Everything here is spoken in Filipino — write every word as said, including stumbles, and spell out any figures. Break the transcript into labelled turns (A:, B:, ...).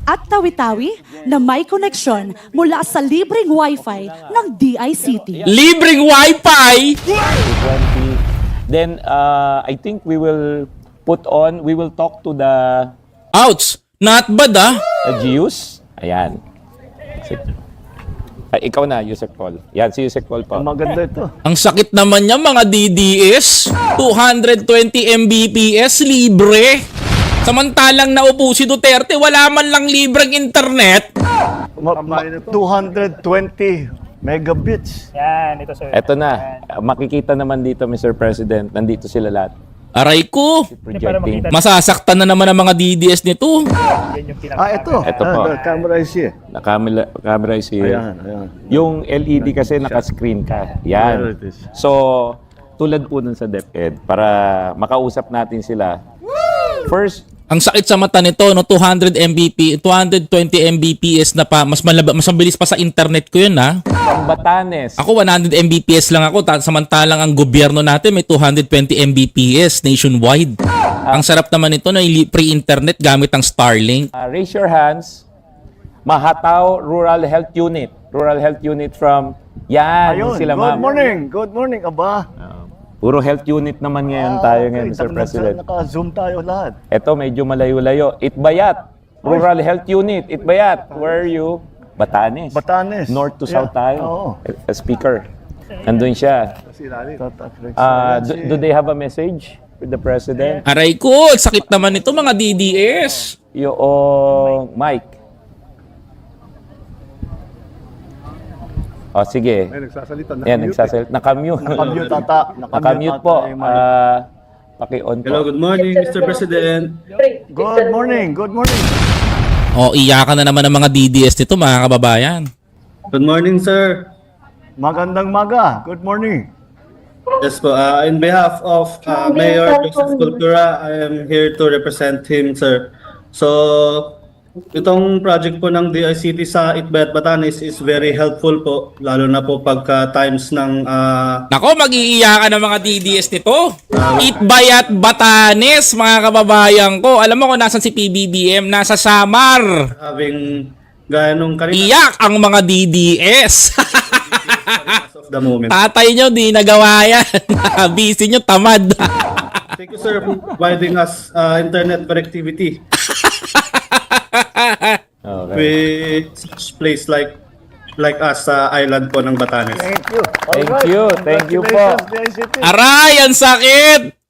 A: at Tawi-Tawi na may koneksyon mula sa libreng Wi-Fi ng D I C T.
B: Libreng Wi-Fi?
C: twenty. Then, uh, I think we will put on, we will talk to the
B: Ouch! Not bad ah.
C: uh, G Us. Ayan. Si- Ay, ikaw na, Yusek Paul. Yan, si Yusek Paul po.
D: Maganda ito.
B: Ang sakit naman niya mga D D S. two hundred twenty megabits libre. Samantalang naupo si Duterte, wala man lang libreng internet.
D: Ma- ma- two hundred twenty megabits.
E: Yan, ito sir.
C: Eto na. Uh, Makikita naman dito, Mister President. Nandito sila lahat.
B: Aray ko.
C: Projecting.
B: Masasaktan na naman ang mga D D S nito.
E: Yan yung pinaka-
D: Ah, ito.
C: Ito po.
D: Ah, the camera is here.
C: Na-camera, camera is here.
D: Ayan, ayan.
C: Yung L E D kasi naka-screen ka.
D: There
C: Yan.
D: it is.
C: So, tulad po nun sa DepEd, para makausap natin sila. First,
B: Ang sakit sa mata nito, no, two hundred megabits, two hundred twenty megabits na pa, mas malaba, mas mabilis pa sa internet ko yun, ha.
C: ang Batanes.
B: Ako one hundred megabits lang ako, ta- samantalang ang gobyerno natin may two hundred twenty megabits nationwide. Ang sarap naman nito na free internet gamit ang Starlink.
C: Uh, raise your hands. Mahataw Rural Health Unit. Rural Health Unit from... Yan,
D: Ayun,
C: sila
D: good
C: ma'am.
D: morning. Good morning, aba.
C: Uh, puro health unit naman ngayon
D: Ah,
C: tayo
D: okay.
C: ngayon, Mister
D: Naka-
C: President.
D: Naka-zoom tayo lahat.
C: Ito, medyo malayo-layo. Itbayat. Rural Health Unit. Itbayat. Where are you? Batanes.
D: Batanes.
C: North to
D: Yeah.
C: south tayo.
D: Oo.
C: A speaker. Nandun siya.
D: Tatak Rex.
C: Uh,
D: Ayan
C: do,
D: si-
C: do they have a message with the President?
B: Aray ko, sakit naman nito mga D D S.
C: Yung Mike. O, sige.
F: Ay, nagsasalita na.
C: Yan, nagsasalit. Nakamute.
D: Nakamute ata.
C: Nakamute po.
D: ata yung mic.
C: Uh, paki-on po.
G: Hello, good morning, Mister President.
D: Good morning. Good morning.
B: O, iyakan na naman ang mga D D S nito mga kababayan.
G: Good morning, sir.
D: Magandang maga. Good morning.
G: Yes po, uh, in behalf of uh, Mayor Joseph Cultura, I am here to represent him, sir. So, itong project po ng D I C T sa Itbayat, Batanes is very helpful po, lalo na po pagka times ng uh,
B: Nako, mag-iiyakan ang mga D D S nito. Itbayat Batanes, mga kababayan ko. Alam mo kung nasan si P B B M? Nasa Samar.
G: having gaya nung kanina
B: Iyak ang mga D D S.
G: of the moment.
B: Tatay nyo, di nagawa yan. Busy nyo, tamad.
G: Thank you, sir, for providing us uh, internet connectivity
C: Okay.
G: with such place like like us sa island po ng Batanes.
D: Thank you.
C: Thank
D: Alright.
C: you. Thank you po.
D: Congratulations, D I C T.
B: Aray, ang sakit.